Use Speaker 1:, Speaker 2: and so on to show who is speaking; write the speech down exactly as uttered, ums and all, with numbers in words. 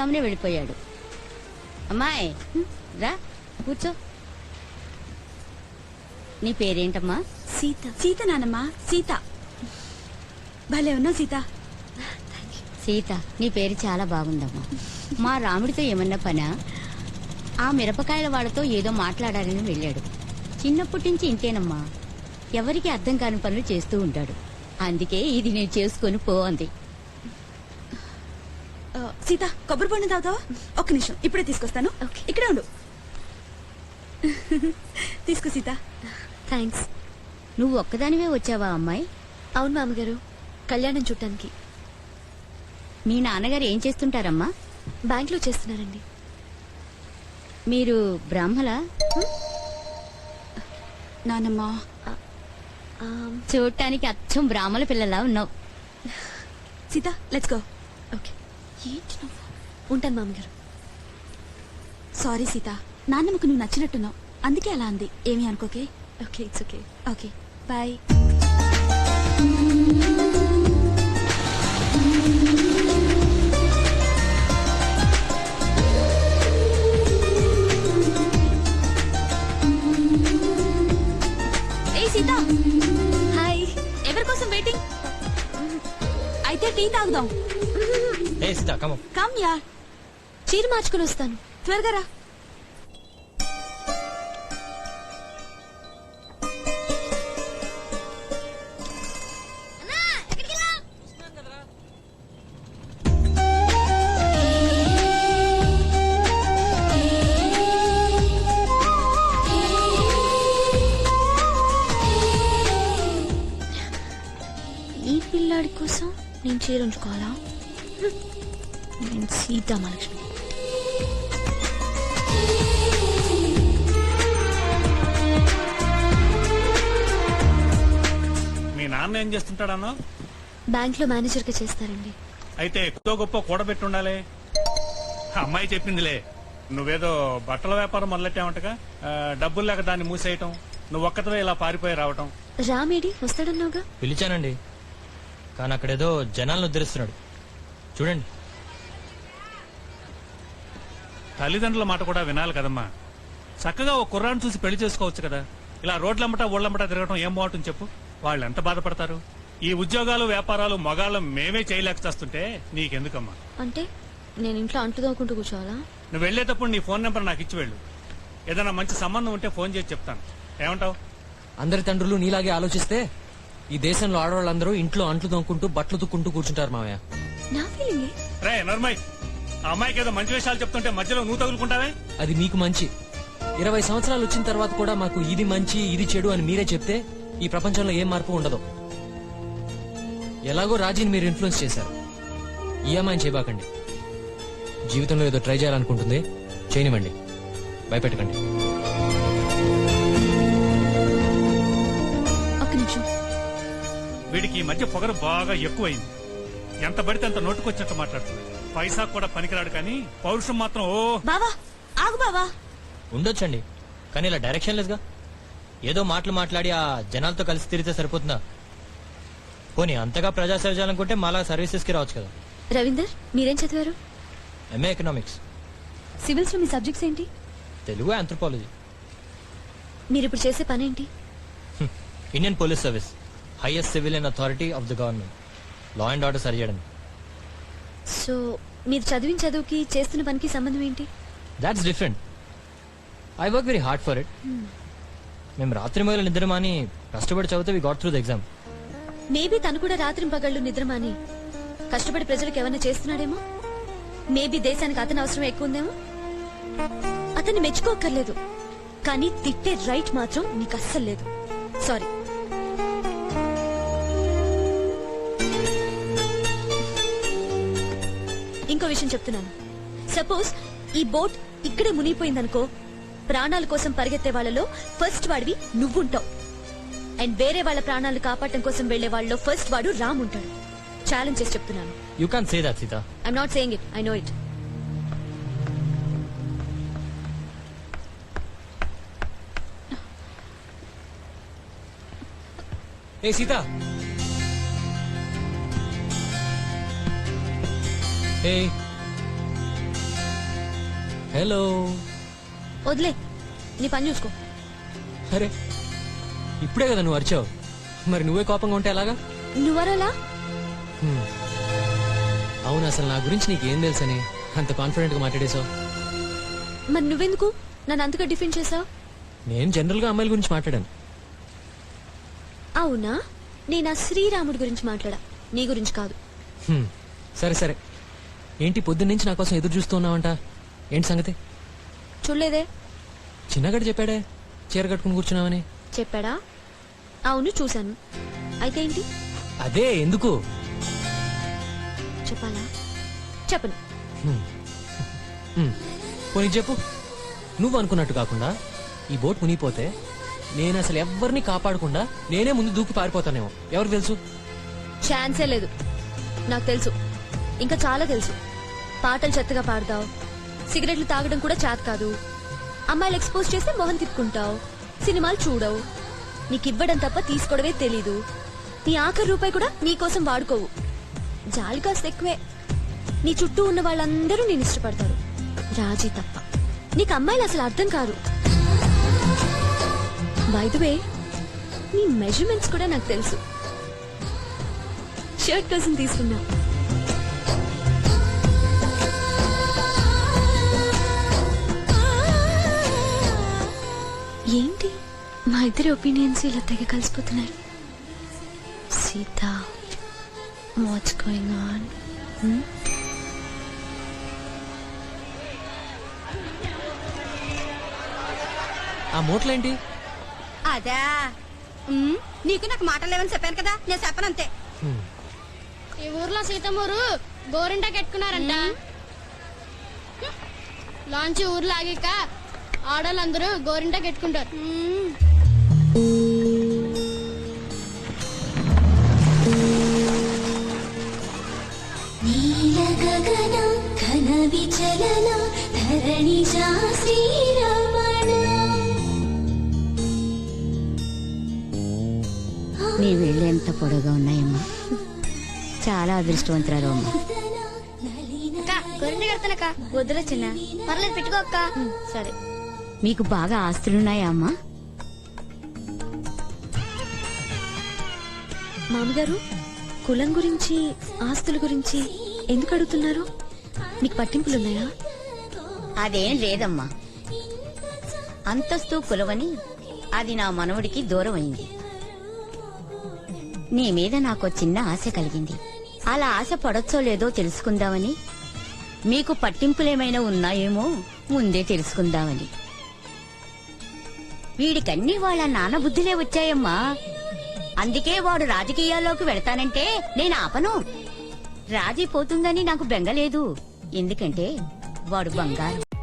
Speaker 1: తెల్లవారుజామునే వెళ్ళిపోయాడు. అమ్మాయి రా కూర్చో. నీ పేరేంటమ్మా?
Speaker 2: సీత. సీత నానమ్మా, సీత. భలే ఉన్నావు సీత.
Speaker 1: సీత, నీ పేరు చాలా బాగుందమ్మా. మా రాముడితో ఏమన్నా పనా? ఆ మిరపకాయల వాళ్ళతో ఏదో మాట్లాడాలని వెళ్ళాడు. చిన్నప్పటి నుంచి ఇంతేనమ్మా, ఎవరికి అర్థం కాని పనులు చేస్తూ ఉంటాడు. అందుకే ఇది నేను చేసుకుని పో అంది.
Speaker 2: సీత, కొబ్బరి బొండం తాగుతావా? ఒక్క నిమిషం, ఇప్పుడే తీసుకొస్తాను. ఇక్కడే ఉండు. తీసుకో సీత.
Speaker 1: థ్యాంక్స్. నువ్వు ఒక్కదానివే వచ్చావా అమ్మాయి?
Speaker 3: అవును మామగారు, కళ్యాణం చూడటానికి.
Speaker 1: మీ నాన్నగారు ఏం చేస్తుంటారమ్మా?
Speaker 3: బ్యాంక్ లో చేస్తున్నారండి.
Speaker 1: మీరు బ్రాహ్మలా?
Speaker 2: నానమ్మా,
Speaker 1: చూడటానికి అచ్చం బ్రాహ్మణ పిల్లలా ఉన్నావు.
Speaker 2: Sita, let's go.
Speaker 3: ఓకే. ఏంటి నువ్వు? ఉంటాను మామగారు.
Speaker 2: సారీ సీత, నాన్నమ్మకు నువ్వు నచ్చినట్టున్నావు, అందుకే అలా అంది. ఏమీ అనుకోకే.
Speaker 3: Okay, it's okay.
Speaker 2: Okay, bye. ఏ సీత,
Speaker 3: హాయ్.
Speaker 2: ఎవరి కోసం వెయిటింగ్? అయితే టీ తాగుదాం.
Speaker 4: ఏ సీత, కమ్ ఆన్.
Speaker 2: కమ్ యార్.
Speaker 3: చీర మార్చుకుని వస్తాను.
Speaker 2: త్వరగా రా.
Speaker 3: ఈ పిల్లాడి కోసం నేను చీర ఉంచుకోవాలా? నేను సీతామహాలక్ష్మి.
Speaker 5: మీ నాన్న ఏం చేస్తుంటాడన్నా?
Speaker 3: బ్యాంక్ లో మేనేజర్ గా చేస్తారండి.
Speaker 5: అయితే ఎక్కువ గొప్ప కూడబెట్టి ఉండాలి. అమ్మాయి చెప్పిందిలే, నువ్వేదో బట్టల వ్యాపారం మొదలెట్టావంటగా. ఆ, డబ్బులు లేక దాన్ని మూసేయటం, నువ్వు ఒక్కతవే ఇలా పారిపోయి రావటం.
Speaker 3: రామేడి వస్తాడన్నావుగా?
Speaker 4: పిలిచానండి, కానీ అక్కడేదో జనాలను ఉద్ధరిస్తున్నాడు. చూడండి.
Speaker 5: తల్లిదండ్రుల మాట కూడా వినాలి కదమ్మా. చక్కగా ఓ కుర్రాన్ని చూసి పెళ్లి చేసుకోవచ్చు కదా. ఇలా రోడ్లమ్మట ఊళ్ళమ్మట తిరగటం ఏం బాగుంటుంది చెప్పు? వాళ్ళు ఎంత బాధపడతారు. ఈ ఉద్యోగాలు వ్యాపారాలు మగాళ్ళం మేమే చేయలేక చేస్తుంటే నీకెందుకమ్మా?
Speaker 3: అంటే నేను ఇంట్లో అంట్లు తోముకుంటూ కూర్చోవాలా?
Speaker 5: నువ్వు వెళ్లేటప్పుడు నీ ఫోన్ నెంబర్ నాకు ఇచ్చి వెళ్ళు. ఏదైనా మంచి సంబంధం ఉంటే ఫోన్ చేసి చెప్తాను. ఏమంటావు?
Speaker 4: అందరి తండ్రులు నీలాగే ఆలోచిస్తే ఈ దేశంలో ఆడవాళ్ళందరూ ఇంట్లో అంట్లు తోముకుంటూ బట్టలు తుక్కుంటూ కూర్చుంటారు మావయ్య.
Speaker 3: నా ఫీలింగే.
Speaker 5: రే నర్మయ్, ఆ అమ్మాయికి ఏదో మంచి విషయాలు చెప్తుంటే మధ్యలో నువ్వు తగులుకుంటావే.
Speaker 4: అది మీకు మంచి. ఇరవై సంవత్సరాలు వచ్చిన తర్వాత కూడా మాకు ఇది మంచి ఇది చెడు అని మీరే చెప్తే ఈ ప్రపంచంలో ఏం మార్పు ఉండదు. ఎలాగో రాజీని మీరు ఇన్ఫ్లుయెన్స్ చేశారు. ఈ అమ్మాయిని చేయబాకండి. జీవితంలో ఏదో ట్రై చేయాలనుకుంటుంది, చేయనివ్వండి, భయపెట్టకండి.
Speaker 3: ఒక్క నిమిషం.
Speaker 5: వీడికి ఈ మధ్య పొగరు బాగా ఎక్కువైంది. ఎంత పడితే అంత నోటుకొచ్చినట్టు మాట్లాడుతున్నాడు. పైసా కూడా పనికిరాడు, కానీ పౌరుషం మాత్రం ఓ.
Speaker 2: బావా ఆగు బావా.
Speaker 4: ఉండొచ్చండి, కానీ ఇలా డైరెక్షన్ లెస్గా ఏదో మాటలు మాట్లాడి ఆ జనాలతో కలిసి తిరిగితే సరిపోతుందా? పోనీ అంతగా ప్రజాసేవ చేయాలనుకుంటే మాలా సర్వీసెస్ కి రావచ్చు కదా.
Speaker 3: రవీందర్, మీరేం చదివారు?
Speaker 4: MA economics.
Speaker 3: సివిల్స్ లో మీ సబ్జెక్ట్స్ ఏంటి?
Speaker 4: తెలుగు, ఆంథ్రోపాలజీ.
Speaker 3: మీరు ఇప్పుడు చేసే పని ఏంటి?
Speaker 4: Indian police service, highest civilian authority of the government. Law and order సరిచేయడం.
Speaker 3: సో మీరు చదివిన చదువుకి చేస్తున్న పనికి సంబంధం ఏంటి?
Speaker 4: That's different. I work very hard for it. మేము రాత్రి మొదలు నిద్రమాని కష్టపడి చదివితే we got through the exam.
Speaker 3: Maybe తను కూడా రాత్రి పగళ్ళు నిద్రమాని కష్టపడి ప్రజలకు ఏమైనా చేస్తున్నాడేమో. మేబీ దేశానికి అతని అవసరం ఎక్కువ ఉందేమో. అతన్ని మెచ్చుకోక్కర్లేదు, కానీ తిట్టే రైట్ మాత్రం నీకు అస్సలు లేదు. సారీ. ఇంకో విషయం చెప్తున్నాను. సపోజ్ ఈ బోట్ ఇక్కడే మునిగిపోయిందనుకో, ప్రాణాల కోసం పరిగెత్తే వాళ్ళలో ఫస్ట్ వాడివి నువ్వుంటావు. అండ్ వేరే వాళ్ళ ప్రాణాలు కాపాడటం కోసం వెళ్లే వాళ్ళలో ఫస్ట్ వాడు రామ్ ఉంటాడు. ఛాలెంజ్ చేసి చెప్తున్నాను.
Speaker 4: You can't say that, Sita.
Speaker 3: I'm not saying it, I know it.
Speaker 4: ఏ సీతా. ఏ హలో.
Speaker 3: వదిలే, నీ పని చూసుకో.
Speaker 4: అరే ఇప్పుడే కదా నువ్వు అరిచావు, మరి నువ్వే కోపంగా ఉంటే ఎలాగా?
Speaker 3: నువ్వరలా
Speaker 4: హ్మ్. అవును, అసలు నా గురించి నీకేం తెలుసని అంత కాన్ఫిడెంట్ గా మాట్లాడేశావు?
Speaker 3: మరి నువ్వెందుకు నన్ను అంతగా డిఫెండ్ చేసావు?
Speaker 4: నేను జనరల్ గా అమ్మాయిల గురించి మాట్లాడాను.
Speaker 3: అవునా, నేను ఆ శ్రీరాముడి గురించి మాట్లాడా, నీ గురించి కాదు.
Speaker 4: హ్మ్. సరే సరే, ఏంటి పొద్దున్న నుంచి నా కోసం ఎదురు చూస్తూ ఉన్నావంట? ఏంటి సంగతి?
Speaker 3: చూడలేదే.
Speaker 4: చిన్నగడ చెప్పాడే చీర కట్టుకుని కూర్చున్నావని.
Speaker 3: చెప్పాడా? అవును చూశాను. అయితే ఏంటి?
Speaker 4: అదే ఎందుకు?
Speaker 3: చెప్పాలా? చెప్పను.
Speaker 4: హ్మ్. హ్మ్. పోనీ చెప్పు. నువ్వు అనుకున్నట్టు కాకుండా ఈ బోట్ మునిగిపోతే నేను అసలు ఎవరిని కాపాడకుండా నేనే ముందు దూకి పారిపోతానేమో. ఎవరికి తెలుసు?
Speaker 3: ఛాన్సే లేదు. నాకు తెలుసు, ఇంకా చాలా తెలుసు. పాటలు చెత్తగా పాడతావు, సిగరెట్లు తాగడం కూడా చేత కాదు, అమ్మాయిలు ఎక్స్పోజ్ చేస్తే మొహం తిప్పుకుంటావు, సినిమాలు చూడవు, నీకివ్వడం తప్ప తీసుకోవడమే తెలీదు, నీ ఆఖరి రూపాయి కూడా నీకోసం వాడుకోవు, జాలి కాస్త ఎక్కువే. నీ చుట్టూ ఉన్న వాళ్ళందరూ నేను ఇష్టపడతారు, రాజీ తప్ప. నీకు అమ్మాయిలు అసలు అర్థం కాదు. బై ద వే, నీ మెజర్మెంట్స్ కూడా నాకు తెలుసు. షర్ట్ కోసం తీసుకున్నా. ఏంటి మా ఇద్దరి ఒపీనియన్స్ ఇలా తెగ కలిసిపోతున్నాయి? Sita, what's going on?
Speaker 4: ఆ మూటలేంటి?
Speaker 1: అదా ఉమ్, నీకు నాకు మాటలు లేవని చెప్పాను కదా, నేను చెప్పనంతే.
Speaker 4: హ్మ్.
Speaker 6: ఈ ఊర్లో సీతమ్మూరు గోరింటా కట్టుకున్నారంట. లాంచ్ ఊర్లో ఆగాక ఆడవాళ్ళందరూ గోరింటా కట్టుకుంటారు.
Speaker 7: నీల గగన ఘన విచలన ధరణి శ్రీరమణ.
Speaker 1: నీ వేళ్ళు ఎంత పొడవుగా ఉన్నాయమ్మా, చాలా అదృష్టవంతురాలు అమ్మా.
Speaker 6: గోరింట కడతానక్క.
Speaker 3: వద్దులే చిన్న.
Speaker 6: పర్లేదు పెట్టుకో అక్క.
Speaker 3: సరే.
Speaker 1: మీకు బాగా ఆస్తులున్నాయా అమ్మా?
Speaker 3: మామగారు, కులం గురించి ఆస్తుల గురించి ఎందుకు అడుగుతున్నారు? మీకు పట్టింపులున్నాయా?
Speaker 1: అదేం లేదమ్మా, అంతస్తు కులవని అది నా మనవడికి దూరం అయింది. నీ మీద నాకు చిన్న ఆశ కలిగింది. అలా ఆశ పడొచ్చో లేదో తెలుసుకుందామని, మీకు పట్టింపులేమైనా ఉన్నాయేమో ముందే తెలుసుకుందామని. వీడికన్నీ వాళ్ళ నాన్న బుద్ధిలే వచ్చాయమ్మా. అందుకే వాడు రాజకీయాల్లోకి వెళతానంటే నేను ఆపను. రాజీ పోతుందని నాకు బెంగలేదు, ఎందుకంటే వాడు బంగారం.